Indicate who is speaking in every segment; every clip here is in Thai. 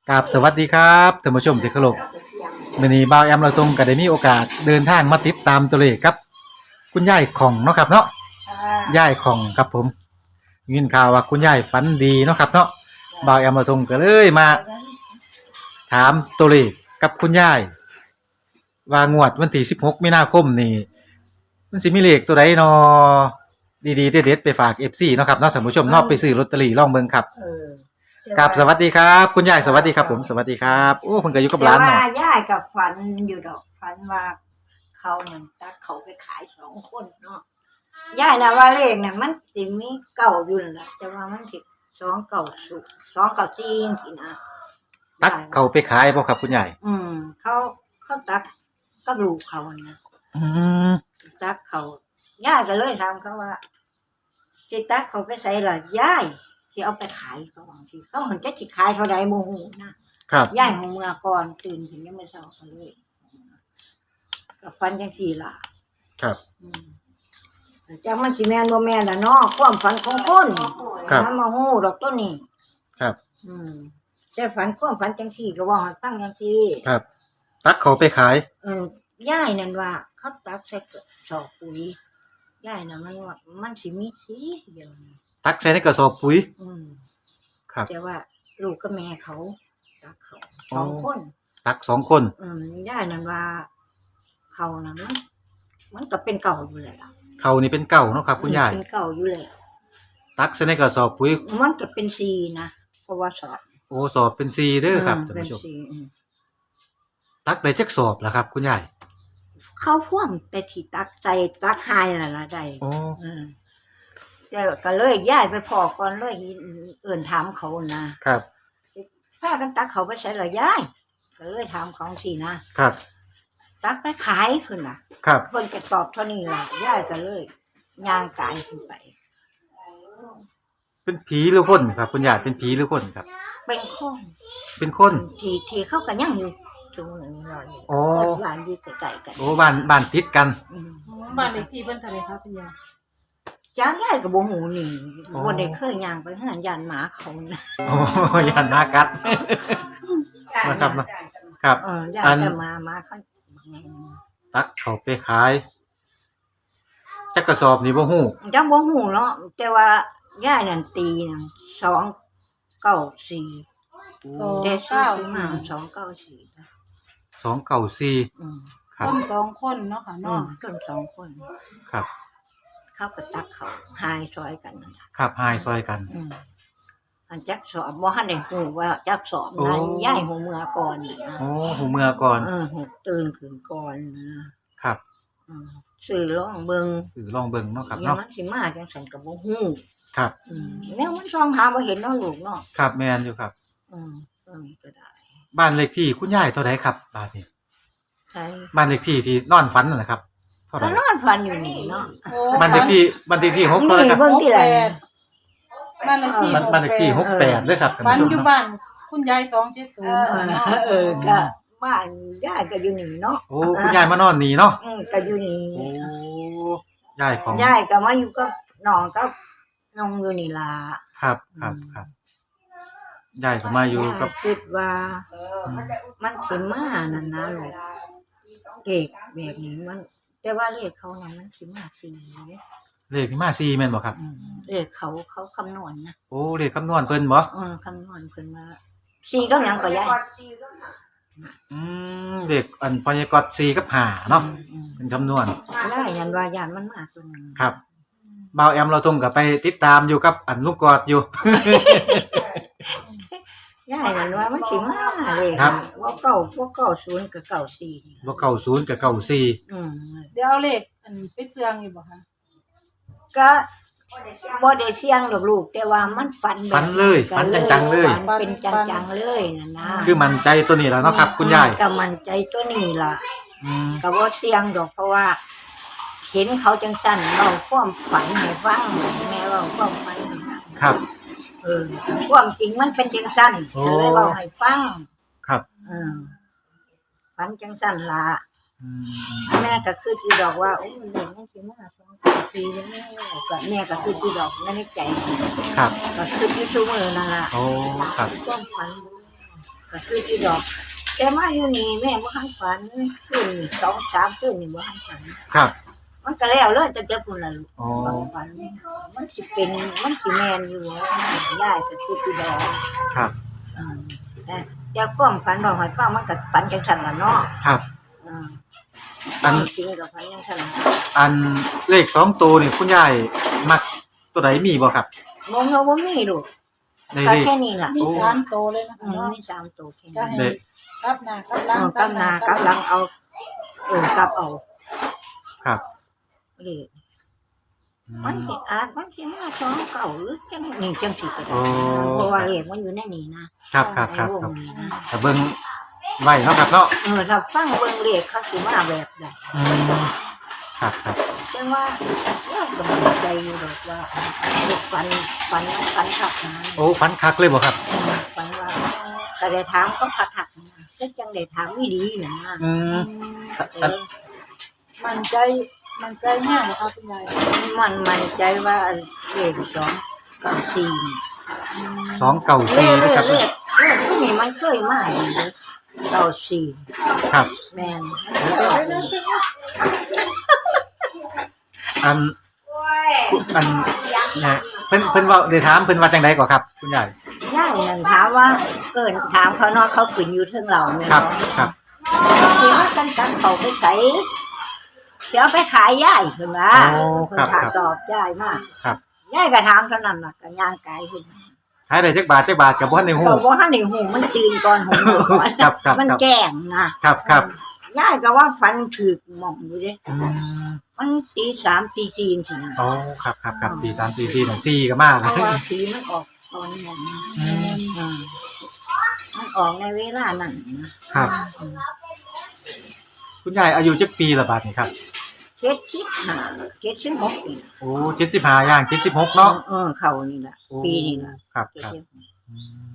Speaker 1: กับสวัสดีครับท่านผู้ชมที่เคารพมื้อนี้บ่าวแอมเราตรงก็ได้มีโอกาสเดินทางมาติดตามตัวเลขครับคุณยายของเนาะครับเนาะยายของครับผมยินข่าวว่าคุณยายฝันดีเนาะครับเนาะบ่าวแอมเราตรงก็เลยมาถามตัวเลขกับคุณยายว่างวดวันที่16มีนาคมนี่มันสิมีเลขตัวใดเนาะดีๆเด็ดๆไปฝาก FC เนาะครับเนาะท่านผู้ชมเนาะไปซื้อลอตเตอรี่ลองเบิ่งครับกับสวัสดีครับคุณยายสวัสดีครับผมสวัสดีครับโอ้เพิ่นก็อยู่กับหลาน
Speaker 2: แต่
Speaker 1: เนาะ
Speaker 2: ว่ายายกับฝันอยู่ดอกฝันว่าเขานั่นตักเขาไปขาย2 คนเนาะยายน่ะว่าเลขน่ะมันสิมีเก่าอยู่นั่นแหละแต่ว่ามันสิ2 เก่าสุ2 เก่าจริงสินะ
Speaker 1: ตักเขาไปขายบ่ครับคุณยาย
Speaker 2: เขาตักก็ลูกเขานะ
Speaker 1: อืม
Speaker 2: ตักเขายายก็เลยถามเขาว่าสิตักเขาไปใส่ล่ะยายสิเอาไปขายเขาบางทีเขาเห็นจะสิขายเท่าใดบ่ฮู้นะครับ ยายของเมื่อก่อนตื่นขึ้นยังไม่เช้าก็เลยก็ฝันจังซี่ล่ะ
Speaker 1: ครับ
Speaker 2: จักมันสิแม่นบ่แม่นล่ะเนาะความฝันของคน
Speaker 1: ครับ
Speaker 2: นำมาฮู้ดอกตัวนี้
Speaker 1: ครับ
Speaker 2: แต่ฝันความฝันจังซี่ก็เว้าให้ฟังจังซี่
Speaker 1: ครับ ตักเขาไปขาย
Speaker 2: ยายนั่นว่าเขาตักใส่กระสอบปุ๋ยยายน่ะมันว่ามันสิมีสีเดียวนี่
Speaker 1: ตักใส่ในกระสอบปุ๋ย
Speaker 2: อืม
Speaker 1: ครับ
Speaker 2: แต่ว่าลูกกับแม่เขาตักเขา
Speaker 1: อ๋อ
Speaker 2: 2 คน
Speaker 1: ตัก2 คน
Speaker 2: ยายนั่นว่าเขานั่นมันก็เป็นเก่าอยู่แล้วล่ะ
Speaker 1: เขานี่เป็นเก่าเนาะครับคุณยาย
Speaker 2: เป็นเก่าอยู่แล้ว
Speaker 1: ตักใส่ในกระสอบปุ๋ย
Speaker 2: มันก็เป็นสีนะเพราะว่าสอบ
Speaker 1: โอ้สอบเป็น4เด้อครับท่าน
Speaker 2: เป็น
Speaker 1: ผู้ชม
Speaker 2: สี
Speaker 1: ตักได้จักสอบล่ะครับ คุณยาย
Speaker 2: เขาพ่วงแต่ที่ตักใจตักหายน่ะล่ะได้
Speaker 1: โอ้
Speaker 2: แต่ก็เลยย้ายไปพอก่อนเลยเอิ่นถามเขานะครับ พากันตักเขาไปใช้ละย้ายก็เลยถามของสินะครับ ตักไปขายขึ้นน่ะ
Speaker 1: ครับ
Speaker 2: เพิ่นก็ตอบเท่านี้ล่ะย้ายก็เลยย่างกายขึ้นไป
Speaker 1: เป็นผีหรือคนครับ คุณยายเป็นผีหรือคนครับ
Speaker 2: เป็นคน
Speaker 1: เป็นคน
Speaker 2: ที่เขาก็ยังอยู่ตรงนั้นรออยู่
Speaker 1: โอ้
Speaker 2: บ้านอยู่ใกล้ๆกัน
Speaker 1: โอ้บ้านติดกัน
Speaker 2: อืม
Speaker 3: บ้านเลขที่เพิ่นเท่าไหร่คะคุณยาย
Speaker 2: จ้างย้ายก็บ่ฮู้นี่
Speaker 1: อ๋อ
Speaker 2: บ่ได้เคยย่างไปหาย่านหมาเขานะ
Speaker 1: โอ้ยานมากัด นะครับเนาะ ครับ
Speaker 2: ย่าน
Speaker 1: อัน
Speaker 2: แต่หมาเขา
Speaker 1: ตักเขาไปขายจักกระสอบนี่บ่ฮู้
Speaker 2: จังบ่ฮู้เนาะแต่ว่าย่ายนั่นตีนั่น294แต่ซื้อมา294
Speaker 1: 294 ครับ
Speaker 3: ต้น2 คนเนาะค่ะเนาะ
Speaker 2: ต้น2 คน
Speaker 1: ครับ
Speaker 2: เขาก็ตักเขาหายซอยกันนั่นล่ะ
Speaker 1: ครับหายซอยกัน
Speaker 2: อันจักสอบบ่ทันได้ฮู้ว่าจักสอบ
Speaker 1: โอ้
Speaker 2: นั้นย่ายหูเมื่อก่อนน่ะนะ
Speaker 1: โอ้หูเมื่อก่อน
Speaker 2: หูตื่นขึ้นก่อนนะครับ ซื้อลองเบิ่ง
Speaker 1: คือลองเบิ่งเนาะครับ
Speaker 2: อย่า
Speaker 1: เนาะ
Speaker 2: มันสิมาจังซั่นก็บ่ฮู้
Speaker 1: ครับ
Speaker 2: แนวมันส่องหาบ่เห็นเนาะลูกเนาะ
Speaker 1: ครับแม่นอยู่ครับ
Speaker 2: ก็ได้
Speaker 1: บ้านเลขที่คุณยายเท่าไหร่ครับบ้านนี้
Speaker 2: ใช่
Speaker 1: บ้านเลขที่ที่นอนฝันนั่นนะครับเท่าไห
Speaker 2: ก็
Speaker 1: ร่
Speaker 2: นอนฝันอยู่นี่เนาะ
Speaker 3: โอ้
Speaker 1: บ้านเลขที่6เท่าไหร่ครับ
Speaker 2: เบิ่งที่ไหน
Speaker 3: บ้านเลขที่
Speaker 1: บ้านเลขที่68เด้อครับท่าน
Speaker 3: บ้าน
Speaker 1: ผู้ชม
Speaker 3: อยู่
Speaker 1: เนาะ
Speaker 3: บ้านคุณยาย270เนาะ
Speaker 2: ก็บ้านย่ายก็อยู่นี่เนาะ
Speaker 1: โอ้คุณยายมานอนนี่เนาะ
Speaker 2: ก็อยู่นี่
Speaker 1: โอ้ยายของ
Speaker 2: ย่ายก็มาอยู่กับน้องกับน้องอยู่นี่ล่ะ
Speaker 1: ครับยายก็มาอยู่กับ
Speaker 2: ย่าคิดว่ามันสิมานั่นนะลูกเด็กแบบนี้มันแต่ว่าเลขเขานั้นมันสิมา4
Speaker 1: เลขที่มา4แม่นบ่ครับ
Speaker 2: เลขเขาคำนวณนะ
Speaker 1: โอ้เลขคำนวณเพิ่นบ่
Speaker 2: คำนวณเพิ่นมา4กับหยังก็ย้าย
Speaker 1: เลขอันพยากรณ์4กับ5เนาะเป็นคำนวณ
Speaker 2: ได้ยันว่าย่านมันมาตัวนึง
Speaker 1: ครับบ่าวแอมเราตรงกับไปติดตามอยู่กับอันลูกกอดอยู่
Speaker 2: ย่ายนั่นว่ามันสิมาเลย
Speaker 1: ครับ
Speaker 2: ว่าเก้าพวก90กับ94
Speaker 1: บ่90กับ94
Speaker 3: เดี๋ยวเอาเลขอันไปเสื่องอยู่บ่คะ
Speaker 2: ก็บ่ได้เสี่ยงดอกลูกแต่ว่ามันฝันแบบ
Speaker 1: ฝันเลยฝันจังๆเลย
Speaker 2: ฝันเป็นจังๆเลยนั่นนะ
Speaker 1: คือมั่นใจตัวนี้แล้วเนาะครับ คุณยาย
Speaker 2: ก็มั่นใจตัวนี้ล่ะ
Speaker 1: อืม
Speaker 2: ก็บ่เสี่ยงดอกเพราะว่า เห็นเขาจังซั่นเล่าความฝันให้ฟังแม่เล่าความฝันให้ฟัง
Speaker 1: ครับ
Speaker 2: ความจริงมันเป็นจังซั่น
Speaker 1: โอ้
Speaker 2: ก็เลยเล่าให้ฟัง
Speaker 1: ครับ
Speaker 2: ฝันจังซั่นล่ะ
Speaker 1: อืม
Speaker 2: แม่ก็คือสิดอกว่าโอ้ยเด็กมันสิมา2 ปีแล้วแม่ก็คือสิดอกในใจ
Speaker 1: ครับ
Speaker 2: ก็คืออยู่ซุมื้อนั่นล่ะ
Speaker 1: โอ้ครับ
Speaker 2: ความฝันก็คือที่ดอกแต่มาอยู่นี่แม่บ่ทันฝันขึ้น2-3คืนนี่บ่ทันฝัน
Speaker 1: ครับ
Speaker 2: มันก็แล้วเลยแต่พุ่นล่ะลูก
Speaker 1: อ๋อ
Speaker 2: ฝันมันสิเป็นมันสิแม่นอยู่ย้ายก็คือที่ดอก
Speaker 1: ครับ
Speaker 2: แต่ความฝันบอกให้ฟังมันก็ฝันจังซั่นล่ะเนาะ
Speaker 1: ครับ
Speaker 2: อืม
Speaker 1: อัน
Speaker 2: จริงก็ฝันจังซั่นล่ะ
Speaker 1: อันเลข2ตัวนี่คุณยายมักตัวใดมีบ่ครับ
Speaker 2: บ่เงาบ่มีลูก
Speaker 1: ใน
Speaker 2: ก็
Speaker 1: เลข
Speaker 2: แค่นี้ล่ะ
Speaker 3: มีสามโตวเลยนะคะ
Speaker 2: อืม
Speaker 3: เนาะ
Speaker 2: มี3ตัวแค่
Speaker 3: ก็
Speaker 2: นี้
Speaker 3: ให้กลับหน้ากลับหลัง
Speaker 2: กำหน้ากำหลังเอากลับเอา
Speaker 1: ครับ
Speaker 2: เลข
Speaker 1: อื
Speaker 2: มัน
Speaker 1: ม
Speaker 2: สิอาจมันสิมา2เก่าหรือจังนี่จังสิก็
Speaker 1: โอ้
Speaker 2: ได้เพราะว่าเลขมันอยู่ในนี้นะครับ
Speaker 1: ครับครับ
Speaker 2: ในว
Speaker 1: ครับ
Speaker 2: งนี้นะ
Speaker 1: แต่เบิ่งไว้เนาะครับเนาะ
Speaker 2: ถ้าฟังเบิ่งเลขเขาสิมาแบบใด
Speaker 1: อืมครับครับ
Speaker 2: จังว่าเราก็มั่นใจอยู่ดอกว่าเด็กฝันคักนะ
Speaker 1: โอ้ฝันคักเลยบ่ครับ
Speaker 2: ฝันว่าก็ได้ถามเขาคักๆนะแต่จังได้ถามอีหลีน่ะนะ
Speaker 1: อืม
Speaker 2: เออ
Speaker 3: มันใจแห้งเหรอคะคุณยาย
Speaker 2: มันมั่นใจว่าเลข294
Speaker 1: 294นะครับ
Speaker 2: เลขพวกนี้มันเคยมาอยู่เด้อ94
Speaker 1: ครับ
Speaker 2: แม่น
Speaker 1: อันเนี่ยเพิ่นเว้าได้ถามเพิ่นว่าจังได๋ก่อครับ คุณยาย
Speaker 2: ย่ายนั่นถามว่าเกินถามเขาเนาะเขาขึ้นอยู่เทิงเราแม่น
Speaker 1: ครับ
Speaker 2: เนาะ
Speaker 1: ครับ
Speaker 2: เดี๋ยวกันจังเขาไปใส่เดี๋ยวไปขายย่ายเพิ่นว่า
Speaker 1: โอ้
Speaker 2: เพิ่น
Speaker 1: ครับ
Speaker 2: ถาม
Speaker 1: ครับ
Speaker 2: ตอบย่ายมาก
Speaker 1: ครับ
Speaker 2: ย่ายก็ถามเท่านั้นล่ะก็ย่างกายขึ้น
Speaker 1: ขายได้จักบาทก็บ่ทันได้ฮู้
Speaker 2: เขาบ่ทันได้หูมันตื่นก่อนหูก่อน
Speaker 1: ครับครับ
Speaker 2: มัน
Speaker 1: ครับ
Speaker 2: แกล้งนะครับ
Speaker 1: ครับ
Speaker 2: ย่ายก็ว่าฟันถึกหม่องอยู่เด้
Speaker 1: อืม
Speaker 2: มันตี3ตี4จังซี่นะ
Speaker 1: โอ้ครับครับครับตี3ตี4หนัง4ก็มา
Speaker 2: เพราะว่าสีมันออกตอนนั้นนะมันออกในเวลานั้นนะครับ
Speaker 1: คุณยายอายุจักปีละบาดนี่ครับ
Speaker 2: 76ปี
Speaker 1: โอ้75ย่าง76เนาะ
Speaker 2: เขานี่ล่ะ
Speaker 1: โอ้
Speaker 2: ปีนี้ล่ะ
Speaker 1: ครับครับอืม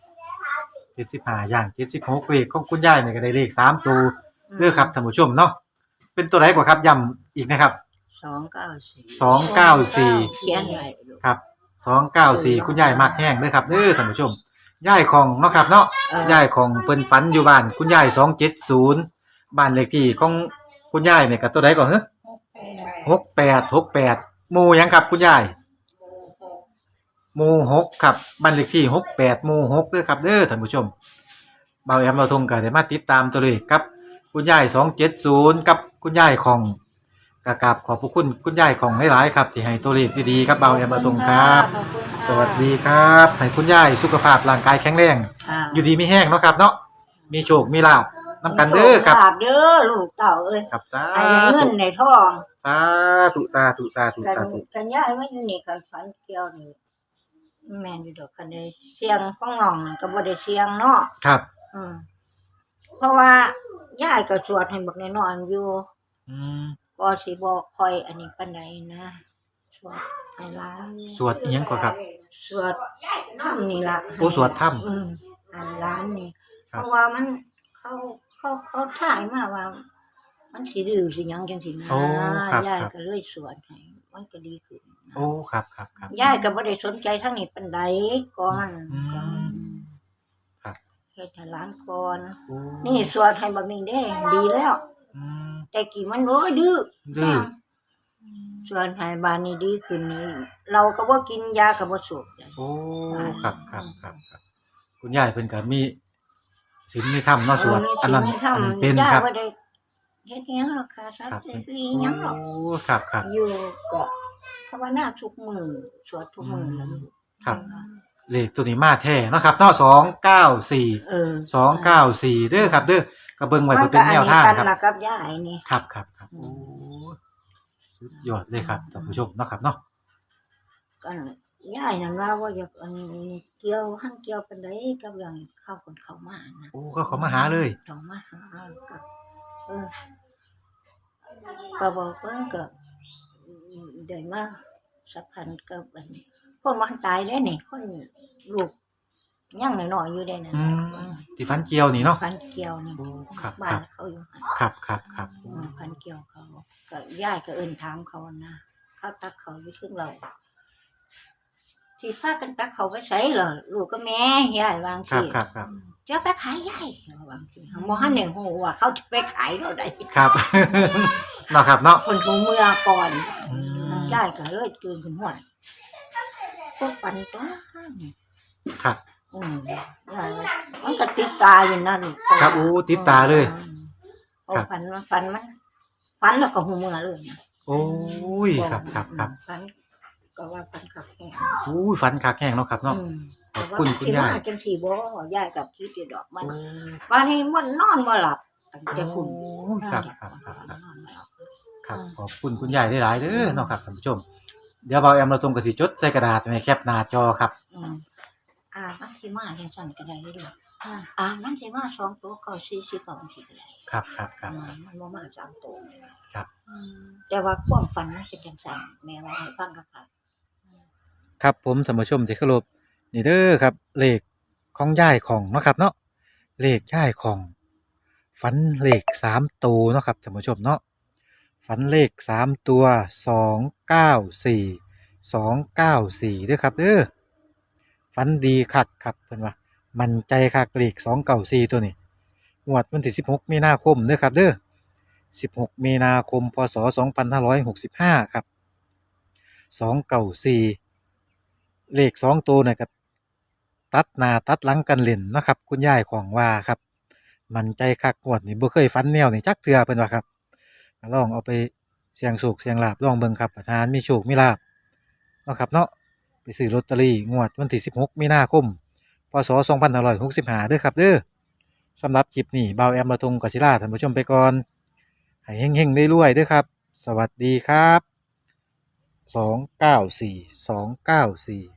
Speaker 1: 75ย่าง76เลขของคุณยายนี่ก็ได้เลข3ตัวเด้อครับท่านผู้ชมเนาะเป็นตัวไหนกว่าครับย้ำอีกนะครับ
Speaker 2: 294
Speaker 1: 294
Speaker 2: เขียนไว้ลูก
Speaker 1: ครับ294คุณยายมักแห้งเด้อครับเด้อท่านผู้ชมยายของเนาะครับเนาะ ยายของเพิ่นฝันอยู่บ้านคุณยาย270บ้านเลขที่ของคุณยายเนี่ยก็ตัวใดก่อนเหรอ68หมู่หยังครับคุณยายหมู่6ครับบ้านเลขที่68หมู่6เด้อครับเด้อท่านผู้ชมบ่าวแอมเราทงก็ได้มาติดตามตัวเลขครับคุณยาย270กับคุณยายของกราบขอบพระคุณคุณยายของหลายๆครับที่ให้ตัวเลขดีๆครับบ่าวแอมเราทงครับ
Speaker 3: ขอบคุณค่ะ
Speaker 1: สวัสดีครับให้คุณยายสุขภาพร่างกายแข็งแรง อยู่ดีมีแห้งเนาะครับเนาะมีโชคมีลาภนำกันเด้อครับ
Speaker 2: ลาบเด้อลูกเต่าเอ้ย
Speaker 1: ครับสา
Speaker 2: ให้ได้เงิ
Speaker 1: ธุ
Speaker 2: นในทอง
Speaker 1: สาธุสาธุสาธุ
Speaker 2: กัน
Speaker 1: สาธุ
Speaker 2: กันย่ายว่าอยู่นี่กันฝันเกี่ยวนี่แม่นอยู่ดอกกันได้เสียงของน้องก็บ่ได้เสียงเนาะ
Speaker 1: ครับ
Speaker 2: อืมเพราะว่าย่ายก็สวดให้บักน้อยๆอยู่
Speaker 1: อืม
Speaker 2: ก็สิบ่ค่อยอันนี้ปานใดนะสวดให้หลาน
Speaker 1: สวดอิหยังก่อนครับ
Speaker 2: สวดธรรมนี่ล่ะ
Speaker 1: โอ้สวดธรรม
Speaker 2: ให้หลานนี่
Speaker 1: ครั
Speaker 2: เพ
Speaker 1: บ
Speaker 2: ราะว่ามันเขาถ่ายมาว่า มันสิดื้อสิหยังจังซี่นะ
Speaker 1: โอ้ครับ
Speaker 2: ยาย
Speaker 1: ครับ
Speaker 2: ก็เลยสวดให้มันก็ดีขึ้นนะ
Speaker 1: โอ้ครับครับครับ
Speaker 2: ยายก็บ่ได้สนใจทางนี้ปานใดก่อน
Speaker 1: อืม
Speaker 2: ก่อน
Speaker 1: ครับ
Speaker 2: เฮ็ดให้หลานก่อน
Speaker 1: โอ้
Speaker 2: นี่สวดให้บักนี้เด้ดีแล้ว
Speaker 1: อืม
Speaker 2: แต่กี้มันโอ้ยดื้อ
Speaker 1: ดื้อ
Speaker 2: สวดให้บานนี้ดีขึ้นนี่เราก็บ่กินยาก็บ่สูบ
Speaker 1: โอ้ครับครับครับครับคุณยายเพิ่นก็มีศีลมีธรรมเนาะสวดอันนั้นอันนั้นเป็น
Speaker 2: ยา
Speaker 1: ครับ
Speaker 2: บ่ได้เฮ็ดหยังหรอกค่ะสัต
Speaker 1: ครับ
Speaker 2: ว์คือหยังหรอก
Speaker 1: โอ้ครับครับ
Speaker 2: อยู่ก็ภาวนาทุกมื้อสวดทุกมื้อแล้ว
Speaker 1: ครับ เลขตัวนี้มาแท้เนาะครับเนาะ294
Speaker 2: เออ
Speaker 1: 294เด้อครับเด้อก็เบิ่งไว้เพื่อเป็นแนวทาง
Speaker 2: มัน
Speaker 1: ค
Speaker 2: ก็
Speaker 1: รับ
Speaker 2: อันนี้กันล่ะกับยายนี่
Speaker 1: ครับครับครับโอ้สุดยอดเลยครับท่านผู้ชมเนาะครับเนาะ
Speaker 2: ก็ยายนั่นว่าอยากอันเกี่ยวหั่นเกี่ยวปานใดกับเรื่องเข้าคนเข้ามานะ
Speaker 1: โอ้ก็เขามาหาเลย
Speaker 2: ต้องมาหากับก็บอกเพิ่นก็ได้มาสัมพันธ์กับอันคนมันตายได้นี่คนลูกยังน้อยๆอยู่ได้นะ
Speaker 1: อืมที่ฟันเกียวนี่เนาะ
Speaker 2: พันเกี่ยวนี่
Speaker 1: โอ้ครับ
Speaker 2: บ้า
Speaker 1: ครั
Speaker 2: น
Speaker 1: บ
Speaker 2: เขาอยู่หั่น
Speaker 1: ครับครับครับโอ้
Speaker 2: พันเกี่ยวเขาก็ย่ายก็เอิ้นถามเขานะเขาตักเขาอยู่ถึงเราที่พากันตักเขาไปใส่เหรอลูกก็แม่ย่ายวาง
Speaker 1: ครับ
Speaker 2: สิ
Speaker 1: ครับครับ
Speaker 2: จะไปขายยายบางทีบ่ฮั่นได้ฮู้ว่าเขาจะไปขายเท่าใด
Speaker 1: ครับ เนาะครับเนาะ
Speaker 2: คนหูเมื่อก่อน
Speaker 1: อืม
Speaker 2: ยายก็เลยตื่นขึ้นหัวพวกปันตัว
Speaker 1: ครับ
Speaker 2: ยายมันก็ติดตาอยู่นั่น
Speaker 1: ครับโอ้ติดตาเลย
Speaker 2: โอ้ฝันแล้วก็หูเมื่อเลยนะ
Speaker 1: โอ้ยครับครับครับ
Speaker 2: ฝันก็ว่าฝันขับแข็ง
Speaker 1: อู้ยฝันคักแห้งเนาะครับเนาะ ขอบคุณคุณยาย
Speaker 2: จังสีบ่ยายกับคิดอยู่ดอกมันวันนี้มันนอนบ่หลับตั้งแต่คุณ
Speaker 1: ครับครับครับครับครับขอบคุณคุณยายได้หลายๆเด้อเนาะครับท่านผู้ชม เดี๋ยวเบาแอมเราตรงกับสิจดใส่กระดาษไว้แคปหน้าจอครับ
Speaker 2: มันสิมาจังซั่นก็ได้เด้อ
Speaker 3: ค่ะ
Speaker 2: มันสิมา2ตัวก็40ก็สิก็ได้
Speaker 1: ครับครับครับ
Speaker 2: มันบ่มา3ตัว
Speaker 3: อืม
Speaker 2: แต่ว่าความฝันมันเป็นจังซั่นแม่ว่าให้ฟังก็ค่ะ
Speaker 1: ครับผมท่านผู้ชมที่เคารพนี่เด้อครับเลขของยายของเนาะครับเนาะเลขยายของฝันเลข3ตัวเนาะครับท่านผู้ชมเนาะฝันเลข3ตัว294เด้อครับเด้อฝันดีคักครับเพิ่นว่ามั่นใจคักเลข294ตัวนี้งวดวันที่16มีนาคมเด้อครับเด้อ16มีนาคมพศ2565ครับ294เลข2ตัวน่ะก็ตัดหน้าตัดหลังกันเล่นเนาะครับคุณยายของว่าครับมั่นใจคักงวดนี้บ่เคยฝันแนวนี้จักเทื่อเพิ่นว่าครับก็ลองเอาไปเสี่ยงโชคเสี่ยงลาภลองเบิ่งครับประธานมีโชคมีลาภเนาะครับเนาะไปซื้อลอตเตอรี่งวดวันที่16มีนาคมพศ2565เด้อครับเด้อสำหรับคลิปนี้บ่าวแอมระทงกศิลาท่านผู้ชมไปก่อนให้เฮงๆรวยๆเด้อครับ สวัสดีครับ294